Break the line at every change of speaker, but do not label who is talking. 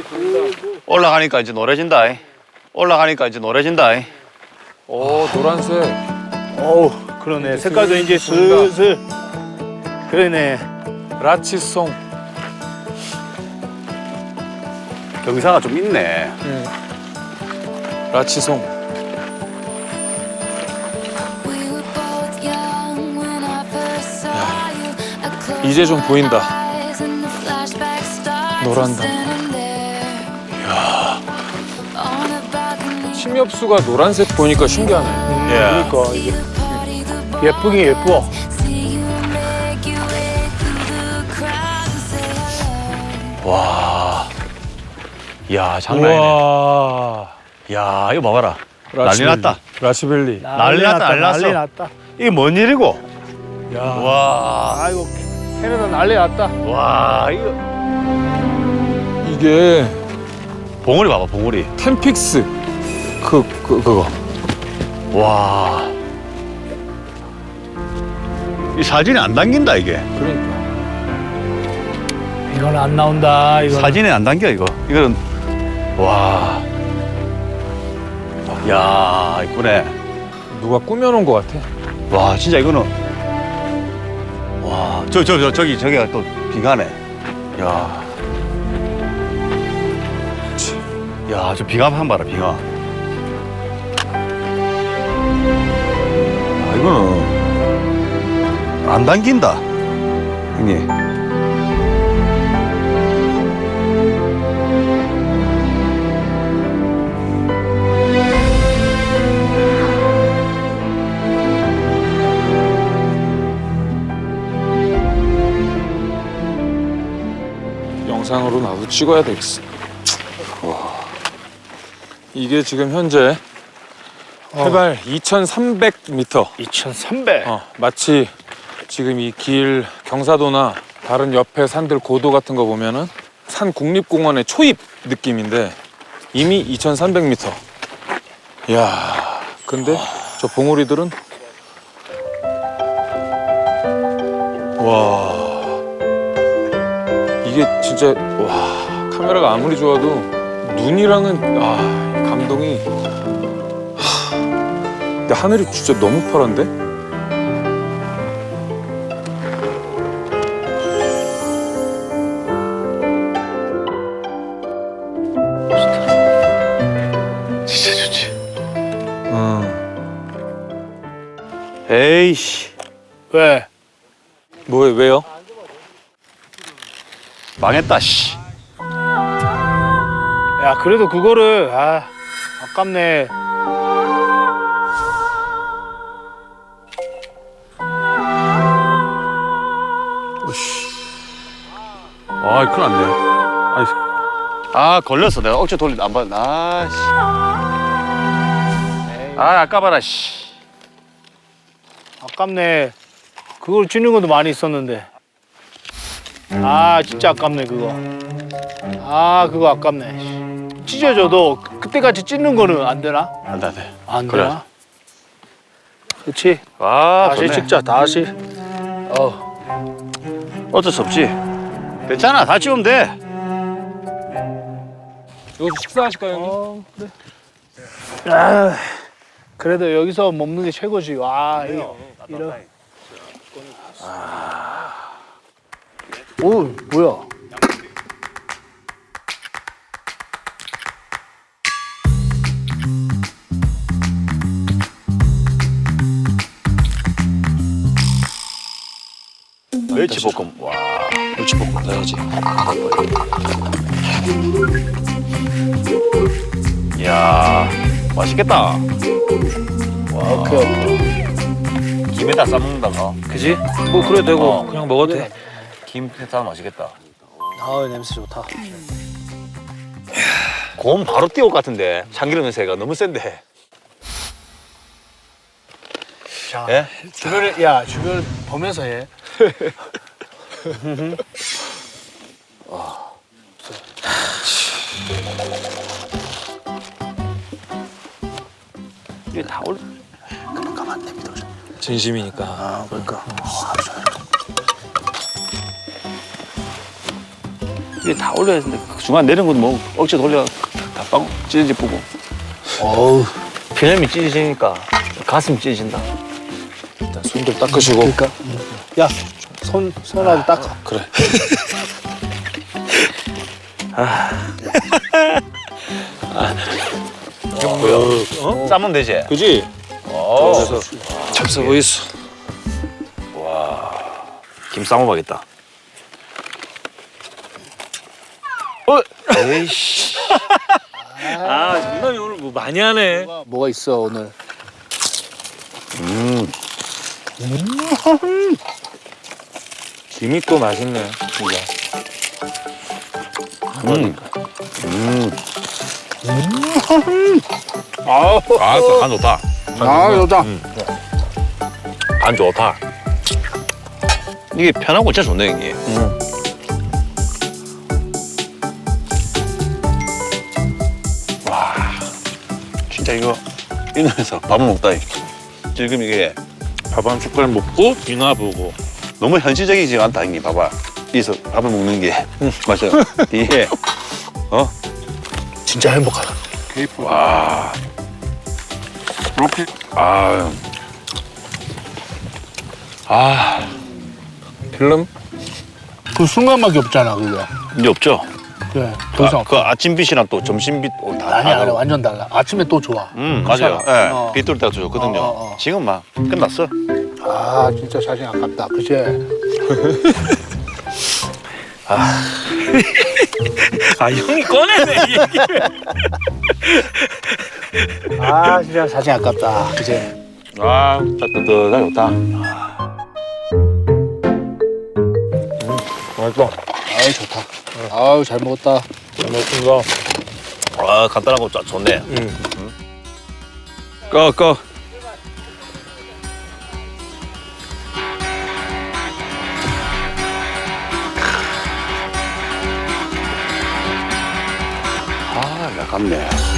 올라가니까 이제 노래진다. 올라가니까 이제 노래진다.
오, 노란색.
어우, 그러네. 색깔도 이제 슬슬. 그러네.
라치송.
경사가 좀 있네.
라치송. 이제 좀 보인다. 노란다. 침엽수가 노란색 보니까 신기하네.
예.
그러니까 이게 예쁘긴 예뻐.
와. 야, 장난 아니네.
우와.
야, 이거 봐봐라. 난리
라치벨리.
났다.
라치벨리.
난리 났다, 난리 났어.
난리 났다.
이게 뭔 일이고?
야.
와.
아이고, 캐나다 난리 났다.
와, 이거.
이게
봉우리 봐봐, 봉우리.
템픽스. 그거.
와. 이 사진이 안 담긴다, 이게.
그러니까.
이건 안 나온다. 이거.
사진에 안 담겨, 이거. 이거는. 와. 야, 이쁘네.
누가 꾸며놓은 것 같아.
와, 진짜 이거는. 와, 저기가 또 비가네. 야. 야, 저 비가 한번 봐라, 비가. 아, 이거는 안 당긴다, 형님.
영상으로 나도 찍어야 되겠어. 이게 지금 현재 해발 2,300m.
2,300.
마치 지금 이 길 경사도나 다른 옆에 산들 고도 같은 거 보면은 산 국립공원의 초입 느낌인데 이미 2,300m. 이야, 근데 저 봉우리들은 와, 이게 진짜 와, 카메라가 아무리 좋아도 눈이랑은 감동이. 근데 하늘이 진짜 너무 파란데?
진짜 좋지. 에이씨.
왜?
왜요?
망했다, 씨.
야, 그래도 그거를, 아깝네.
아, 큰일 났네. 아니, 걸렸어. 내가 억지 돌리다 안 봤. 아, 씨. 아까봐라, 씨.
아깝네. 그걸 찌는 것도 많이 있었는데. 진짜 아깝네, 그거. 그거 아깝네. 찢어져도 그때같이 찢는 거는 안 되나?
안 돼, 안 돼.
안
그래.
되나? 그렇지. 다시
좋네.
찍자, 다시.
어쩔 수 없지. 괜찮아, 다 찍으면 돼.
이거 식사하실까요, 형님?
그래. 그래도 여기서 먹는 게 최고지. 와, 이런. 오, 뭐야?
멸치볶음. 와, 멸치볶음 넣어야지. 이야, 맛있겠다. 와,
오케이.
김에다 싸먹는다가.
그지? 뭐 그래 되고
그냥 먹어도 돼. 김 싸면 맛있겠다.
냄새 좋다.
곰 바로 띄울 것 같은데 참기름 냄새가 너무 센데.
자,
예?
주변을 보면서 해.
이게 다 올. 그럼 가만 내비둬.
진심이니까.
그러니까.
이게 다 올려야 되는데 그 중간 내린 건 뭐 억지 돌려 다 빵 찢어지 뿌고.
어우.
기념이 찢어지니까 가슴이 찢어진다.
일단 손 좀 닦으시고.
그러니까. 야, 손하고 닦아.
그래.
싸면 되지?
그지?
어.
잡숴 보이소.
김 싸먹어야겠다. 에이씨.
아, 장난이 오늘 뭐 많이 하네.
뭐가 있어 오늘?
김이 또 맛있네, 진짜.
아, 간 좋다.
아, 좋다.
간 좋다. 이게 편하고 진짜 좋네, 이게.
진짜 이거 이놈에서 밥을 먹다. 지금 이게
밥 한 숟갈 먹고 비나 보고.
너무 현실적이지 않다 형님. 봐봐. 여기서 밥을 먹는 게 맞아요. 이게
진짜 행복하다.
와 이렇게
필름?
그 순간밖에 없잖아 그게.
이제 없죠.
그래. 더 이상
그 아침빛이랑 또 점심빛 다
아니 아니
다르고.
완전 달라. 아침에 또 좋아.
맞아요. 예,
어.
빛 돌 때가 더 좋거든요. 지금 막 끝났어.
아 진짜 사진 아깝다. 그치?
아, 형이 꺼내네, 이 얘기를.
아 진짜 사진 아깝다. 그치?
아, 진짜 뜨뜻하게 좋다.
맛있어.
아유 좋다. 아유 잘 먹었다.
잘 먹습니다.
아, 간단하고 좋네.
꺼. 아, 아깝네.